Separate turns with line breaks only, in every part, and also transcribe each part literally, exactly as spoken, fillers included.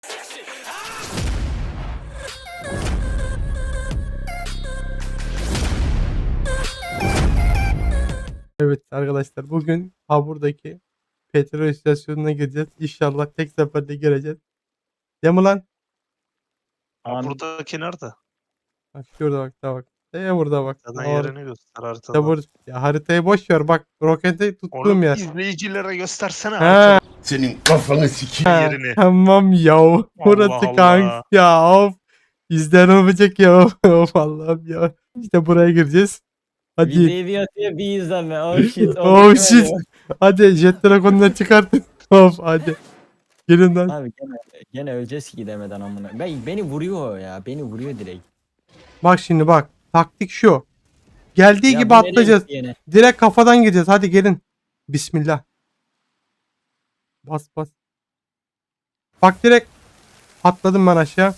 Evet arkadaşlar, bugün Habur'daki petrol istasyonuna gireceğiz. İnşallah tek seferde gireceğiz. Değil mi lan?
Ya
Abi,
buradaki nerede?
Bak şurada bak da bak. E burada bak.
Haritadan
Or
yerini göster
işte
haritadan.
bur ya haritayı boş ver, bak roketi tuttuğum
Oğlum
yer.
izleyicilere göstersene
He,
haritanın
Senin kafanı sikeyim.
he,
yerini.
tamam ya. Burası
Allah
kanka
Allah.
ya, of. İzler olacak ya. Of Allah'ım ya. İşte buraya gireceğiz. Hadi.
videoyu bir atıyor bir izleme. Oh shit. o
Oh
mükemmel
shit.
ya.
Hadi jet dragon'dan çıkartın. Of hadi. Gelin lan.
Abi gene, gene öleceğiz ki gidemeden amına. Ben, beni vuruyor o ya. Beni vuruyor direkt.
Bak şimdi bak. Taktik şu. Geldiği
Ya
gibi
bu nereye
atlayacağız.
gitti yine?
Direkt kafadan gireceğiz. Hadi gelin. Bismillah. Bas bas. Bak direkt atladım ben aşağı.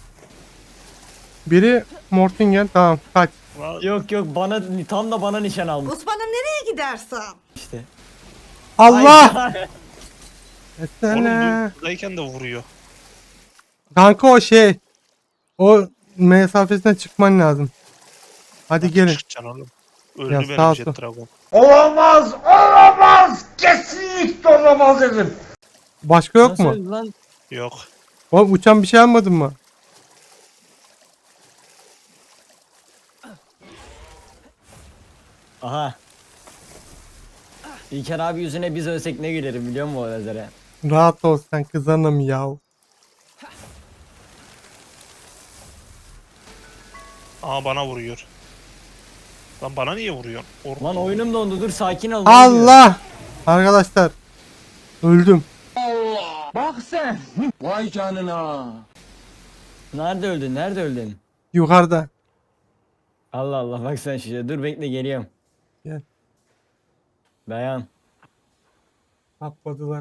Biri Mortingen. Tamam kaç.
Lan,
Yok yok bana tam da bana nişan almış
Osman'ım nereye gidersen?
işte.
Allah!
Ay,
Oğlum
Etsene.
buradayken de vuruyor.
Kanka o şey. O mesafesinden çıkman lazım. Hadi gelin.
Çıkacaksın oğlum. Öldü
Ya
benim
sağ
Jet
ol.
Dragon.
Olamaz, olamaz, kesinlikle olamaz dedim.
Başka yok
nasıl
mu?
öldü lan?
Yok.
Oğlum uçan bir şey almadın mı?
Aha. İlker abi yüzüne biz ölsek ne gülerim biliyor musun o lazere?
Rahat ol sen kızanım ya.
Aa bana vuruyor. Lan bana niye vuruyorsun? Or
Lan oyunum dondu dur sakin ol.
Allah! Arkadaşlar. Öldüm.
Bak sen. Vay canına.
Nerede öldün nerede öldün?
Yukarıda.
Allah Allah bak sen şuraya dur bekle geliyorum.
Gel.
Dayan.
Atladılar.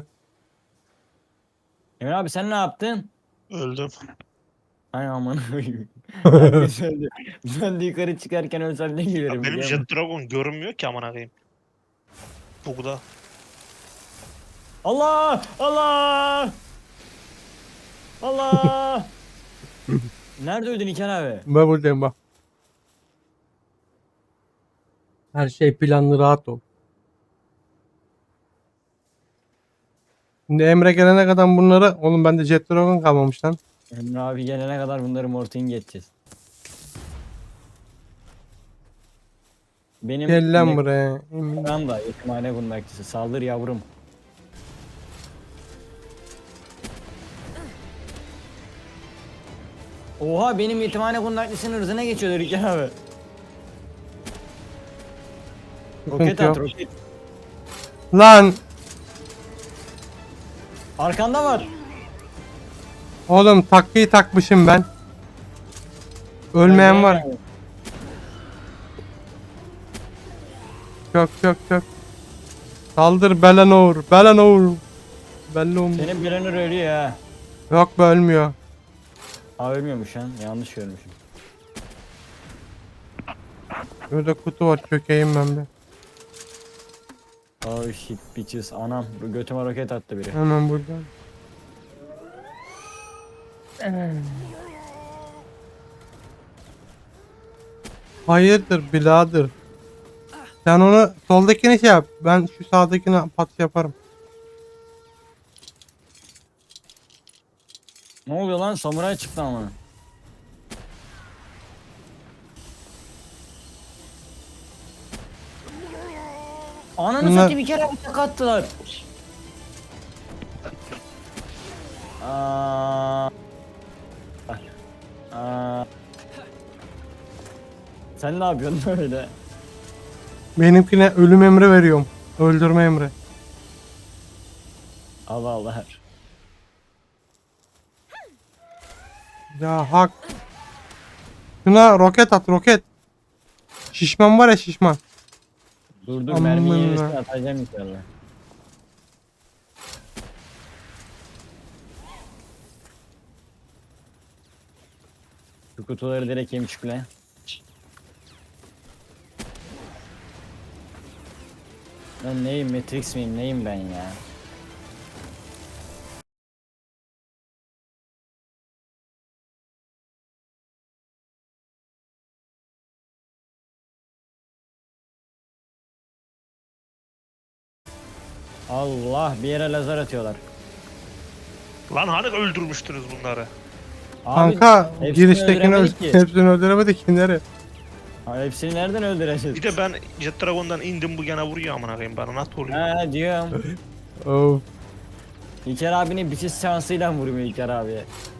Emre abi sen ne yaptın?
Öldüm.
Ay aman koyayım. Herkes öldü. Ben de yukarı çıkarken ölsem ne
Ya
gülerim
benim
biliyor musun?
Jet Dragon görünmüyor ki amına koyayım. Bugda.
Allah! Allah! Allah! Nerede öldün İlker abi?
Ben buradayım bak. Her şey planlı, rahat ol. Şimdi Emre gelene kadar bunları... Oğlum bende Jet Dragon kalmamış lan.
Emre abi gelene kadar bunları morting geçeceğiz. Benim
Gel lan
ne-
buraya.
Tamam da yetimhane kundakçısı. Saldır yavrum. Oha benim yetimhane kundaklısının hırzına geçiyorlar İlker abi. Roket
Sıkıntı
at
yok.
roket.
Lan!
Arkanda var.
Oğlum takviyi takmışım ben. Ölmeyen var. Çok çok çok. Saldır Belanor. Belanor. Belanor.
Senin Brenner ölüyor ha.
Yok be, ölmüyor.
Aa ölmüyormuş lan. Yanlış görmüşüm.
Burada kutu var, çökeyim ben bir.
Oh shit bitches. Anam bu götüme roket attı biri.
Hemen buradan. Hayırdır birader. Sen onu soldakini şey yap. Ben şu sağdakini pat yaparım.
Ne oluyor lan? Samuray çıktı ama. Ananı
Bunlar-
satayım bir kere atak attılar. Aa. Aa. Sen ne yapıyorsun öyle?
Benimkine ölüm emri veriyorum. Öldürme emri.
Allah Allah.
Ya hak. Şuna roket at, roket. Şişman var ya, şişman.
Dur dur
Aman
mermiyi
ya.
yenisini atacağım inşallah. Şu kutuları direkt yemişikle. Ben neyim Matrix miyim neyim ben ya? Allah, bir yere lazer atıyorlar.
Lan hani öldürmüştünüz bunları?
Abi,
Kanka
hepsini
giriştekini
öldüremedik
öl-
ki.
hepsini öldüremedik ki nereye?
Abi hepsini nereden öldüreceğiz?
Bir de ben Jet Dragon'dan indim bu gene vuruyor amına koyayım bana nasıl oluyor?
He diyorum.
Of.
İlker abinin bitiş şansıyla vurmuyor İlker abiye.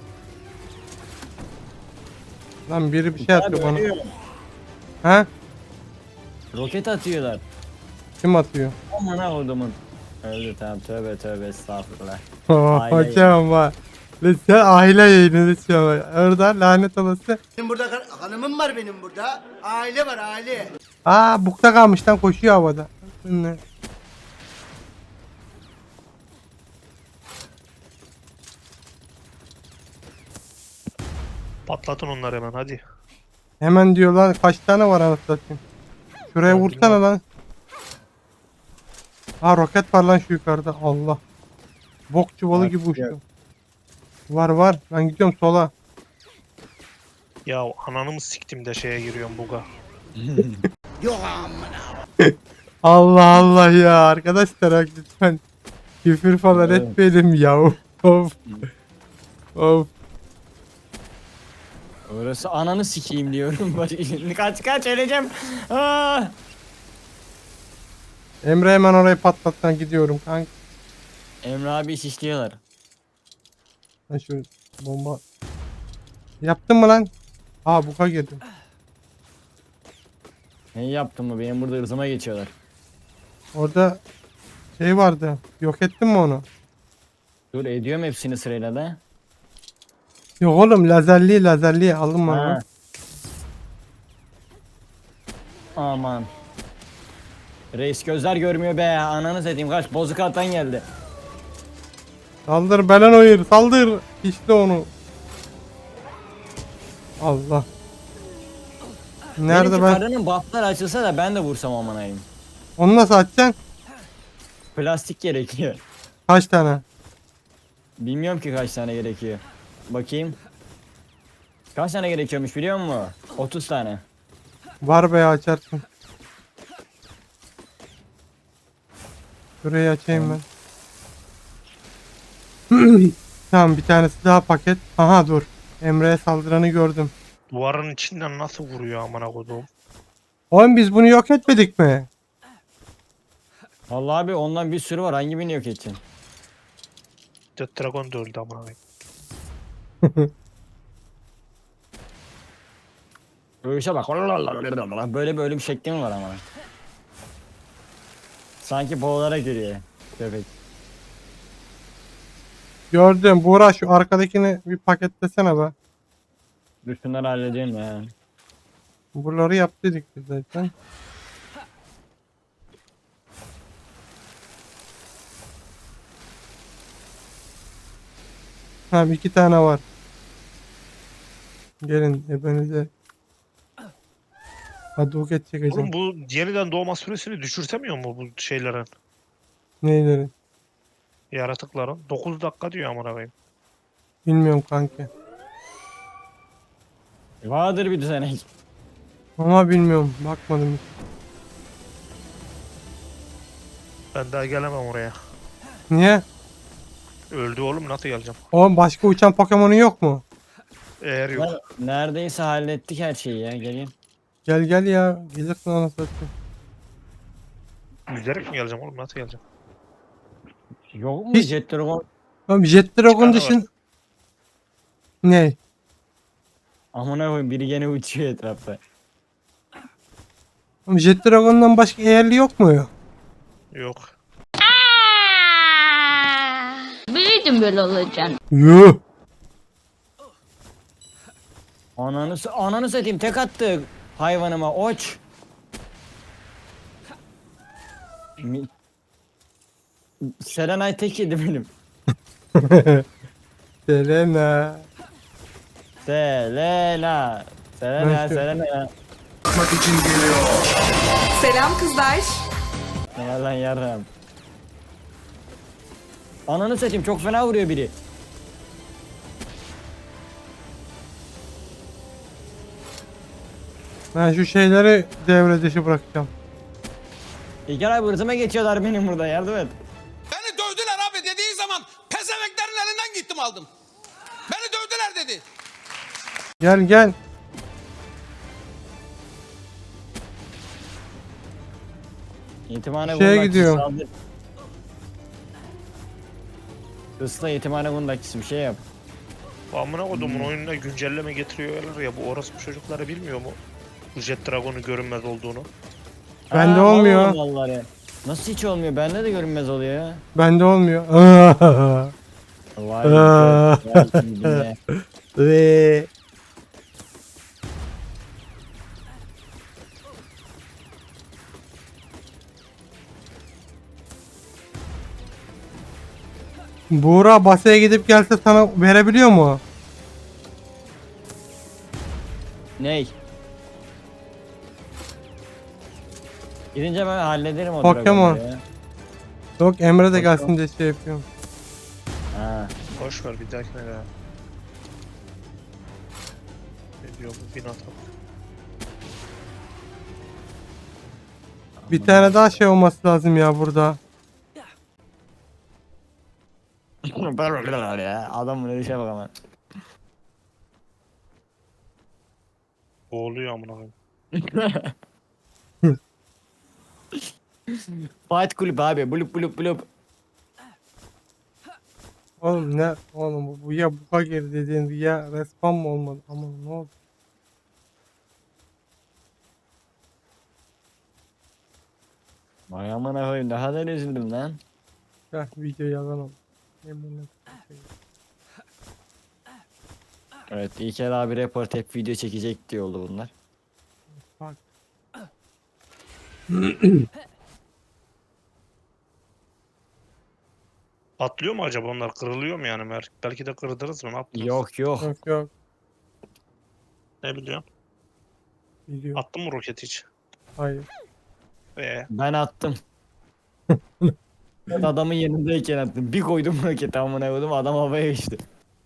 Lan biri bir şey
İlker
atıyor
abi
bana.
ölüyor.
Ha?
Roket atıyorlar.
Kim atıyor?
Aman ha odumun. Öldü tamam, tövbe tövbe estağfurullah.
Oh,
Aile
hocam bak. Lan sen aile yayını lütfen bak. Orada lanet olası.
Benim burada kar- hanımım var benim burada. Aile var aile.
Aa bukta kalmış lan koşuyor havada. Ne?
Patlatın onları hemen hadi.
Hemen diyor lan kaç tane var anasını satayım. Şuraya
Lan
vursana
bilmem.
lan. Aa roket var lan şu yukarıda. Allah. Bok çuvalı
Bak,
gibi
yok.
uçtu. Var var. Ben gidiyorum sola.
Ya ananı mı siktim de şeye giriyorum buga.
Allah Allah ya arkadaşlar bak lütfen. Küfür falan
Evet.
etmeyelim ya. Of. Of.
Orası ananı sikeyim diyorum. kaç kaç öleceğim. Aa!
Emre hemen orayı patlattan gidiyorum kanka.
Emre abi şişliyorlar.
Ben şu bomba. Yaptın mı lan? Aa buka girdim.
Ne yaptım mı? Benim burada ırzıma geçiyorlar.
Orada şey vardı. Yok ettin mi onu?
Dur ediyorum hepsini sırayla da.
Yok oğlum lazerli lazerli aldım
Ha.
onu.
Aman. Reis gözler görmüyor be. Ananı satayım, kaç bozuk atan geldi.
Saldır belen oyur saldır. İşte onu. Allah. Nerede
Benimki
ben?
karının bufflar açılsa da ben de vursam aman ayım.
Onu nasıl açacaksın?
Plastik gerekiyor.
Kaç tane?
Bilmiyorum ki kaç tane gerekiyor. Bakayım. Kaç tane gerekiyormuş biliyor musun? otuz tane.
Var be açarsın. Şurayı açayım ben. Tamam bir tanesi daha paket. Aha dur. Emre'ye saldıranı gördüm.
Duvarın içinden nasıl vuruyor amına koduğum?
Oğlum biz bunu yok etmedik mi?
Vallahi abi ondan bir sürü var. Hangi birini yok edeceksin?
Jet Dragon da öldü amına koyayım.
Dövüşe bak. Böyle böyle bir şekli mi var ama? Sanki boğularak giriyor. Köpek.
Gördüm. Buğra şu arkadakini bir paketlesene be.
Dur şunları halledeyim ya.
Buraları yaptıydık biz zaten. Tamam iki tane var. Gelin hepinize. Hadi o geç çekeceğim.
Oğlum bu yeniden doğma süresini düşürtemiyor mu bu şeylerin?
Neyleri?
Yaratıkların. dokuz dakika diyor amına koyayım.
Bilmiyorum kanki.
Vardır bir düzenek.
Ama bilmiyorum. Bakmadım hiç.
Ben daha gelemem oraya.
Niye?
Öldü oğlum nasıl geleceğim?
Oğlum başka uçan Pokemon'un yok mu?
Eğer yok.
Neredeyse hallettik her şeyi ya. Gelin.
Gel gel ya. Gelirsin anasını satayım.
Yüzerek mi geleceğim oğlum nasıl geleceğim?
Yok mu
Hiç-
Jet Dragon?
Oğlum Jet Dragon
tane var.
dışın... Ne?
Amına koyayım, biri gene uçuyor etrafta.
Oğlum Jet Dragon'dan başka eğerli yok mu?
Yok.
Biliyordum böyle olacağını.
Yuh.
Ananı, s- ananı satayım, tek attı hayvanıma oç. Mi- Serenay tek yedi benim.
Selena.
Selena. Selena,
Nasıl?
Selena.
Selam kızlar.
Ne var lan yarram. Ananı satayım, çok fena vuruyor biri.
Ben şu şeyleri devre dışı bırakacağım.
İlker abi hırsıma geçiyorlar benim burada, yardım et.
hadi.
Gel gel.
Yetimhane
Şeye
kundakçısı
gidiyorum.
saldır. Isla yetimhane kundakçısı bir şey yap.
Bu amına kodumun
Hmm.
oyununa güncelleme getiriyorlar ya, bu orospu çocukları bilmiyor mu? Bu Jet Dragon'un görünmez olduğunu.
Bende
Aa, mal
olmuyor.
oğlum vallahi. Nasıl hiç olmuyor? Bende de görünmez oluyor ya.
Bende olmuyor.
Vay
Aa.
be, vay be.
Ve Buğra basaya gidip gelse sana verebiliyor mu?
Ney? Gidince ben hallederim o
Pokemon.
dragonları ya.
Yok Emre de
Pokemon.
gelsin diye şey yapıyorum.
Ha.
Boş ver, bir dahakine ya. Ne diyor bu bin atak?
Bir tane daha şey olması lazım ya burada.
ya. Adamın öyle şey bak ama.
Boğuluyor amına koyayım.
Fight kulüp abi. Bulup bulup bulup.
Oğlum ne? Oğlum bu, bu ya buka geri dediğin ya respawn mı olmadı? Aman ne oldu?
Vay amına koyayım, daha da üzüldüm lan.
Ya video yalan oldu. Yeminle.
Evet, İlker abi report hep video çekecek diye oldu bunlar.
Bak.
Atlıyor mu acaba onlar? Kırılıyor mu yani? Mer- Belki de kırdırız mı? Ne yaptınız?
Yok yok.
Yok yok.
Ne biliyorsun?
Video.
Attın mı roket hiç?
Hayır.
Ee,
Ben attım. Ben adamın yanındayken attım. Bir koydum roketi amına koydum, adam havaya uçtu.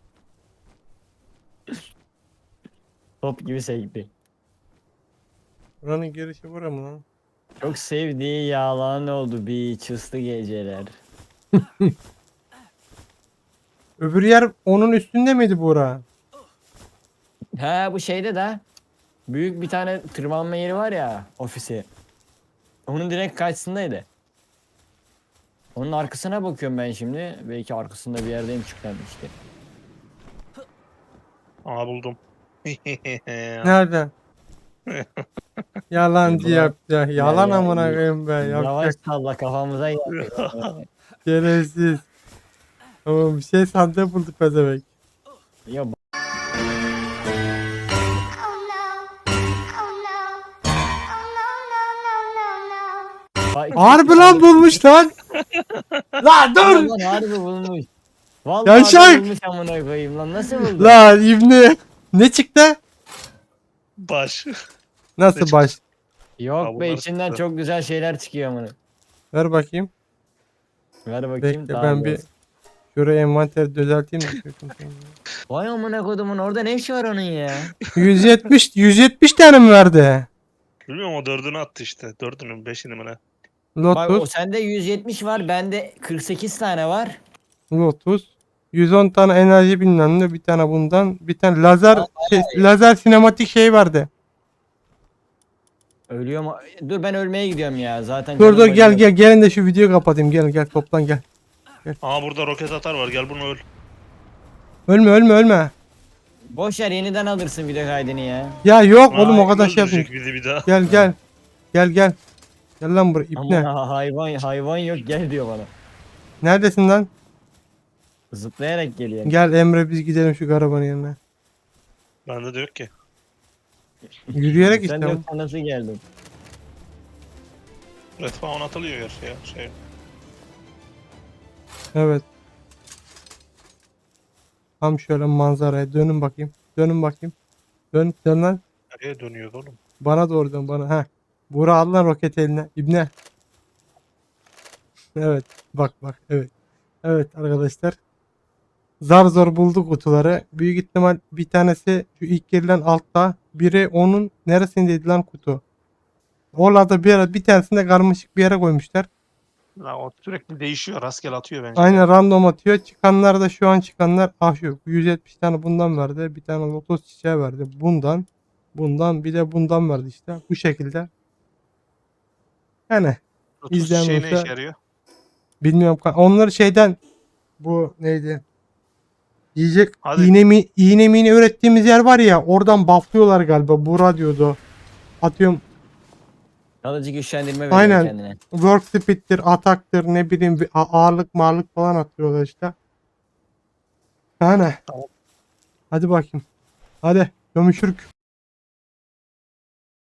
Top gibi sekti.
Buranın girişi bura mı lan?
Çok sevdiği yalan oldu bir çıslı geceler.
Öbür yer onun üstünde miydi Buğra?
He, bu şeyde de büyük bir tane tırmanma yeri var ya, ofisi. Onun direkt karşısındaydı. Onun arkasına bakıyorum ben şimdi. Belki arkasında bir yerdeyim çıkarmıştı.
Aa buldum.
Nerede? Yalancı
Yalan.
yaptı. Ya. Yalan
Ya, ya,
amına
ya.
koyayım be.
Yavaş
Yapacak
salla, kafamıza geldi.
şerefsiz. Ama bir şey sandığı buldu pezevenk.
Ya bak-
Harbi lan bulmuş lan. La dur.
Lan harbi bulmuş. Vallahi
Yaşar.
harbi bulmuş amına koyayım lan, nasıl buldu?
La İbni. Ne çıktı?
Baş.
Nasıl
Ne
baş?
Yok
Ha,
be,
bunlar
içinden
çıktı.
çok güzel şeyler çıkıyor amına.
Ver bakayım.
Ver bakayım.
Bekle
daha
ben bir
biraz.
şuraya envanteri düzelteyim de.
Vay amına kodumun, orada ne işi var onun ya?
yüz yetmiş yüz yetmiş tane mi verdi?
Bilmiyorum, o dördünü attı işte. Dördünün beşini mi ne?
Bak, o
Lotus,
sende yüz yetmiş var, bende kırk sekiz tane var.
Lotus. yüz on tane enerji bilmem ne, bir tane bundan, bir tane lazer
Aa,
şey, lazer sinematik şey vardı.
Ölüyor mu? Dur, ben ölmeye gidiyorum ya zaten.
Dur
canım
dur gel
acıyor.
gel gelin de şu videoyu kapatayım. Gel gel toplan gel.
Aa burada roket atar var, gel bunu öl.
Ölme ölme ölme.
Boş ver, yeniden alırsın video kaydını ya.
Ya yok oğlum o
Aa,
kadar şey
öldürecek
yapmayayım.
bizi bir daha.
Gel gel. Gel gel. Gel lan buraya ipne.
Ama hayvan hayvan yok, gel diyor bana.
Neredesin lan?
Zıplayarak geliyor.
Gel Emre biz gidelim şu arabanın yanına.
Bende de yok ki.
Yürüyerek
Sen
işte.
de yoksa nasıl geldin?
Respawn atılıyor ya şey. şey.
Evet. Tam şöyle manzaraya dönün bakayım. Dönün bakayım. Dön dön lan.
Nereye dönüyordu oğlum?
Bana doğru dön bana. Ha. Buğra al lan roket eline. İbne. Evet. Bak bak. Evet. Evet arkadaşlar. Zar zor bulduk kutuları. Büyük ihtimal bir tanesi şu ilk girilen altta. Biri onun neresindeydi lan kutu? Orada bir, yere, bir tanesini de karmaşık bir yere koymuşlar.
La, o sürekli değişiyor. Rastgele atıyor bence.
Aynen random atıyor. Çıkanlar da şu an çıkanlar ah şu yüz yetmiş tane bundan verdi. Bir tane lotos çiçeği verdi. Bundan. Bundan bir de bundan verdi işte. Bu şekilde. Yani
Lotus
izleyen
şey ne
olursa-
işe yarıyor?
bilmiyorum. ka- Onları şeyden bu neydi? Yiyecek
Hadi.
iğne mi iğne mini ürettiğimiz yer var ya oradan bufflıyorlar galiba. Buğra diyordu. Atıyorum
Kalıcı güçlendirme veriyor
aynen
kendine.
work speed'tir, ataktır ne bileyim bir a- ağırlık mağırlık falan atıyorlar işte. Yani.
Tamam.
Hadi bakayım. Hadi görüşürük.